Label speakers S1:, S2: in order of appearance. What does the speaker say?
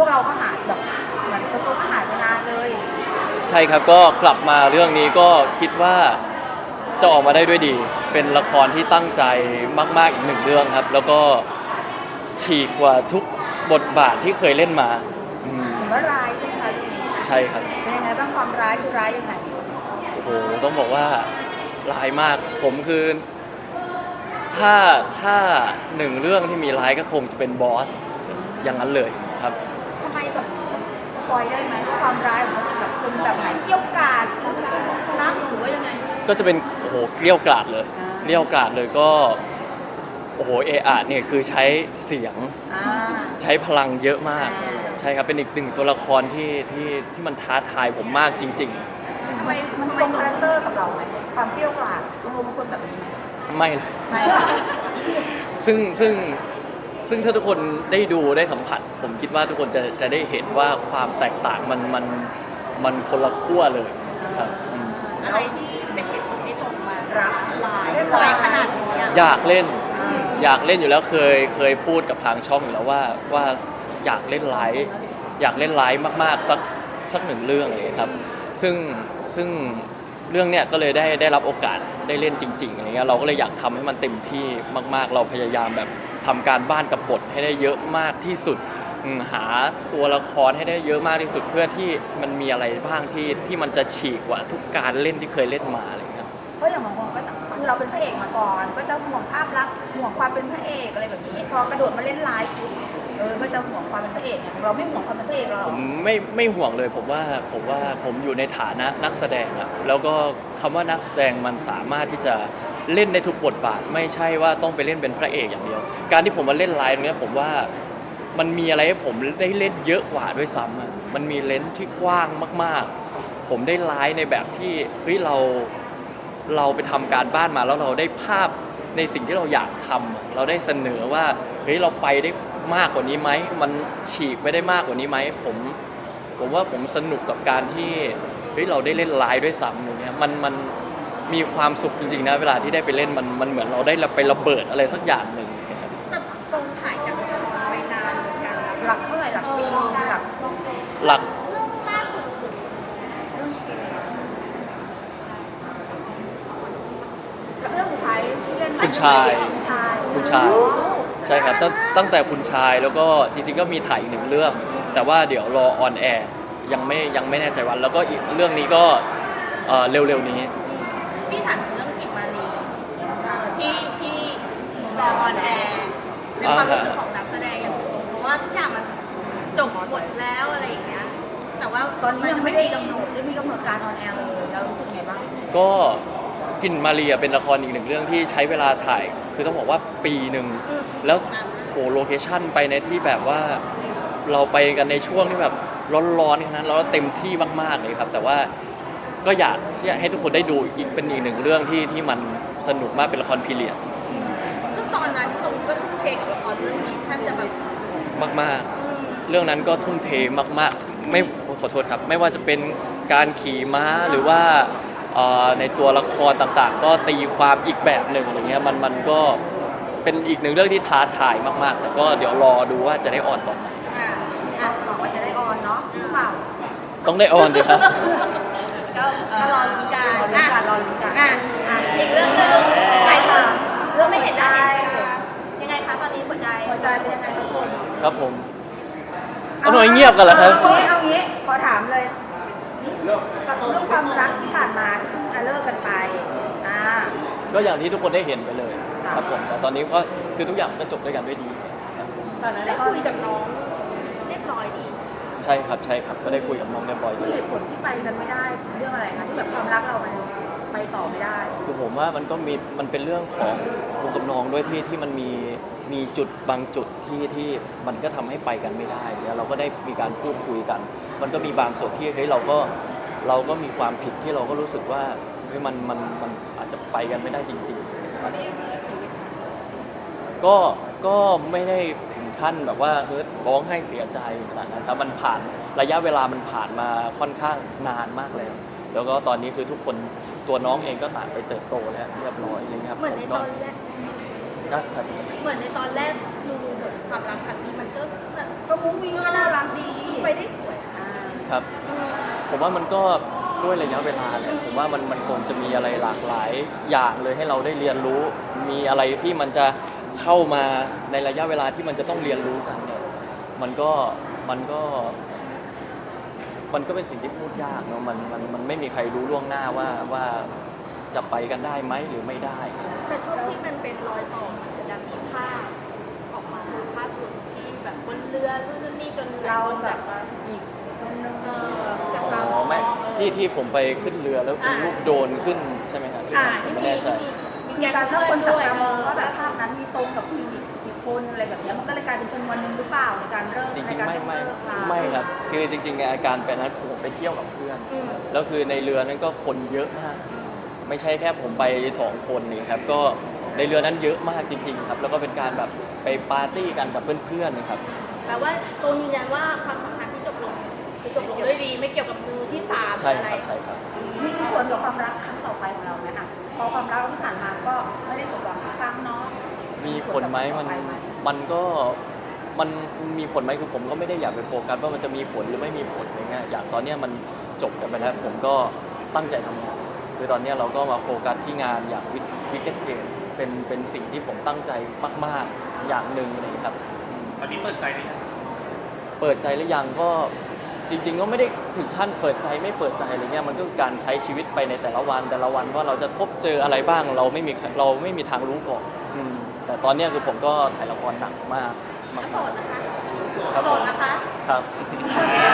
S1: เราก็หายแบบเหมือนตัวก็หายไปนานเลย
S2: ใช่ครับก็กลับมาเรื่องนี้ก็คิดว่าจะออกมาได้ด้วยดีเป็นละครที่ตั้งใจมากๆอีกหนึ่งเรื่องครับแล้วก็ฉีกกว่าทุกบทบาทที่เคยเล่นมา
S1: ถือว่าร้ายใช่ไหมคะเรื่องนี้
S2: ใช่ครับ
S1: เป็นยังไงบ้างความร้ายคือร้ายยังไง
S2: โอ้โหต้องบอกว่าร้ายมากผมคือถ้าหนึ่งเรื่องที่มีร้ายก็คงจะเป็นบอสอย่างนั้นเลยครับ
S1: ทำไมแบบสปอยได้ไหมว่าความร้ายของเขาเป็นแบบไหนเกี่ยวกาดรักหรือว่ายังไง
S2: ก็จะเป็นโอ้โหเกลี้ยวกล่อมเลยเกลี้ยวกล่อมเลยก็โอ้โหเออาร์เนี่ยคือใช้เสียงใช้พลังเยอะมากใช่ครับเป็นอีกหนึ่งตัวละครที่มันท้าทายผมมากจริงๆ
S1: มันตรงคาแรคเตอร์กับเราไหมความเปรี้ยวกราดตัวเป็นคนแบบนี้ไหม
S2: ไม่เลยซึ่งถ้าทุกคนได้ดูได้สัมผัสผมคิดว่าทุกคนจะได้เห็นว่าความแตกต่างมันคนละขั้วเลยครับ
S1: อะไรที่เป็นเหตุผลให้ตรงมารับลายขนาดนี้
S2: อยากเล่นอยู่แล้วเคยพูดกับทางช่องอยู่แล้วว่าอยากเล่นไลฟ์มากๆสักหนึ่งเรื่องเลยครับซึ่งเรื่องเนี้ยก็เลยได้รับโอกาสได้เล่นจริงๆอะไรเงี้ยเราก็เลยอยากทำให้มันเต็มที่มากๆเราพยายามแบบทำการบ้านกับบทให้ได้เยอะมากที่สุดหาตัวละครให้ได้เยอะมากที่สุดเพื่อที่มันมีอะไรบ้างที่มันจะฉีกกว่าทุกการเล่นที่เคยเล่นมาอะไรเงี้ย
S1: เพราะอย่างบางคนก็คือเราเป็นพระเอกมาก่อนก็จะห่วงภาพลักษณ์ห่วงความเป็นพระเอกอะไรแบบนี้พอกระโดดมาเล่นไลฟ์ก็จะห่วงความเป็นพระเอกเนี่ยเราไม่ห่วงความเป็นพระเอกเรา
S2: ผมไม่ห่วงเลยผมว่าผมอยู่ในฐานะนักแสดงอะแล้วก็คำว่านักแสดงมันสามารถที่จะเล่นได้ทุกบทบาทไม่ใช่ว่าต้องไปเล่นเป็นพระเอกอย่างเดียวการที่ผมมาเล่นไลฟ์เนี้ยผมว่ามันมีอะไรให้ผมได้เล่นเยอะกว่าด้วยซ้ำอะมันมีเลนส์ที่กว้างมากๆผมได้ไลฟ์ในแบบที่เฮ้ยเราไปทำการบ้านมาแล้วเราได้ภาพในสิ่งที่เราอยากทำเราได้เสนอว่าเฮ้ยเราไปได้มากกว่านี้ไหมมันฉีกไปได้มากกว่านี้ไหมผมว่าผมสนุกกับการที่เฮ้ยเราได้เล่นไลฟ์ด้วยซ้ำอย่างเงี้ยมันมีความสุขจริงๆนะเวลาที่ได้ไปเล่นมันเหมือนเราได้ไประเบิดอะไรสักอย่างหนึ่ง
S1: แต่ตรงถ่ายจากไปนานเหมือนกันหลักเท่าไหร่หลักปี
S2: หลัก
S1: เรื่องล่าสุดเรื่องสุดท้ายที่เล่น
S2: คุณชายใช่ครับตั้งแต่คุณชายแล้วก็จริงๆก็มีถ่ายอีกหนึ่งเรื่องแต่ว่าเดี๋ยวรอออนแอร์ยังไม่แน่ใจวันแล้วก็อีกเรื่องนี้ก็เร็วๆนี้
S1: พี่ถามเรื่องกิมมารีที่รอออนแอร์ในความรู้สึกของนักแสดงอย่างตรงเพราะว่าทุกอย่างมันจบหมดแล้วอะไรอย่างเงี้ยแต่ว่าตอนนี้ยังไม่มีกำหนดการออนแอร์เลยแล้วรู้สึกไงบ้าง
S2: ก็กินมาเรียเป็นละครอีกหนึ่งเรื่องที่ใช้เวลาถ่ายคือต้องบอกว่าปีหนึ่งแล้วโหโลเคชั่นไปในที่แบบว่าเราไปกันในช่วงที่แบบร้อนๆขนาดนั้นแล้วเต็มที่มากๆเลยครับแต่ว่าก็อยากที่จะให้ทุกคนได้ดูอีกเป็นอีกหนึ่งเรื่องที่มันสนุกมากเป็นละครพีเรียด
S1: ซึ่งตอนนั้นตรงก็ทุ่มเทกับละครเรื่องนี้แทบจะแบบ
S2: มากๆเรื่องนั้นก็ทุ่มเทมากๆไม่ขอโทษครับไม่ว่าจะเป็นการขี่ม้าหรือว่าในตัวละครต่างๆก็ตีความอีกแบบหนึ่งอะไรเงี้ยมันก็เป็นอีกหนึ่งเรื่องที่ท้าทายมากๆแต่ก็เดี๋ยวรอดูว่าจะได้ออนตอนไหน
S1: บอกว่าจะได้ออนเนาะหรือเปล่า
S2: ต้องได้ออนดิครับ
S1: ก็รอลุ้นกันอีกเรื่องนึงหลายคนเรื่องไม่เห็นได้ยังไงคะตอนนี้หัวใจเป็นยังไงทุกคน
S2: ครับผมเอาหน่อยเงียบกันเหรอครับ
S1: เอางี้ขอถามเลยกับเรื่องความรักที่ผ่านมาที่เพิ่งจะเลิกกันไป
S2: ก็อย่างที่ทุกคนได้เห็นไปเลยครับผมแต่ตอนนี้ก็คือทุกอย่างก็จบด้วยกันด้วยดี
S1: ตอนนั้นได้คุยกับน้องเรียบร้อยดี
S2: ใช่ครับก็ได้คุยกับน้องเรียบร้อยดี
S1: เหตุผลที่ไปกันไม่ได้เรื่องอะไรคะที่แบบความรักเรามันไปต่อไม่ได้
S2: คือผมว่ามันเป็นเรื่องของวงกับน้องด้วยที่มันมีจุดบางจุดที่มันก็ทำให้ไปกันไม่ได้เนี่ยเราก็ได้มีการพูดคุยกัน มันก็มีบางส่วนที่เฮ้ยเราก็มีความผิดที่เราก็รู้สึกว่าเฮ้ยมันอาจจะไปกันไม่ได้จริงๆก็ไม่ได้ถึงขั้นแบบว่าเฮ้ยร้องไห้เสียใจขนาดนั้นครับมันผ่านระยะเวลามันผ่านมาค่อนข้างนานมากแล้วก็ตอนนี้คือทุกคนตัวน้องเองก็ต่างไปเติบโตแล้วเรียบร้อยเลยครับ
S1: เหมือนในตอนแรกเหมือนในตอนแรกดูเหมือนความรักครั้งนี้มันก็มุ้งมิ้งก็น่ารักดี
S2: ครับ
S1: อืม
S2: ผมว่ามันก็ด้วยระยะเวลาแหละผมว่ามันคงจะมีอะไรหลากหลายอย่างเลยให้เราได้เรียนรู้ มีอะไรที่มันจะเข้ามาในระยะเวลาที่มันจะต้องเรียนรู้กันเนี่ยมันก็มันก็มันก็เป็นสิ่งที่พูดยากเนาะมันไม่มีใครรู้ล่วงหน้าว่าจะไปกันได้ไหมหรือไม่ได้
S1: แต่ช่วงที่มันเป็นรอยต่อมันจะมีภาพออกมาภาพหลุดที่แบบบนเรือนู่นนนนี่จนเราแบบว่าอีกคนนึงจาก
S2: อ๋
S1: เรา
S2: อไม่ที่ผมไปขึ้นเรือแล้วเป็นรูปโดรนขึ้นใช่ไหมครับ
S1: ที่
S2: ไม่
S1: มี
S2: แน่ใจ
S1: มีการเพื่อนด้วย
S3: ว่าแบบภาพนั้นมีตรงกับผู้หญิงอีกคนอะไรแบบเนี้ยมันก็เลยกลายเป็นชนวนหนึ่งหรือเปล่าในการเริ่ม
S2: จริง
S3: ใน
S2: ๆ
S3: การ
S2: ไม่
S3: เลิกลา
S2: ไม่ครับคือจริงๆอาการเป็นนั้นผมไปเที่ยวกับเพื่อน
S1: อืม
S2: แล้วคือในเรือนั้นก็คนเยอะมาก ไม่ใช่แค่ผมไป2คนนี่ครับก็ในเรือนั้นเยอะมากจริง ๆ ครับ แล้วก็เป็นการแบบไปปาร์ตี้กันกับเพื่อนๆนะครับ
S1: แปลว่าตรงยืนยันว่าความสัมพันธ์ที่จบลงคือจบลงด้วยดีไม่เกี่ยวกับมือที่สาม
S2: ใช่
S1: อะไร
S2: ครับใช่ครับ
S3: มีผลกับความรักครั้งต่อไปของเราไหมอ่ะพอความรักที่ผ่านมาก็ไม่ได้สมหวังทุกครั้งเนาะ
S2: มีผลไหมมันก็มันมีผลไหมคือผมก็ไม่ได้อยากไปโฟกัสว่ามันจะมีผลหรือไม่มีผลอะไรเงี้ยอย่างตอนเนี้ยมันจบกันไปแล้วผมก็ตั้งใจทำงานคือตอนเนี้ยเราก็มาโฟกัสที่งานอย่างวิกเก็ตเกมเป็นสิ่งที่ผมตั้งใจมากๆอย่างหนึ่งเลยครับ
S4: ตอนนี้เปิดใจหรือยัง
S2: เปิดใจหรือยังก็จริง ๆ ก็ไม่ได้ถึงขั้นเปิดใจไม่เปิดใจอะไรเงี้ยมันก็คือการใช้ชีวิตไปในแต่ละวันว่าเราจะพบเจออะไรบ้างเราไม่มีทางรู้ก่อนแต่ตอนเนี้ยคือผมก็ถ่ายละครหนักมาก
S1: แล้วโสดนะคะ
S2: ครับ
S1: โสดนะคะ
S2: ครับ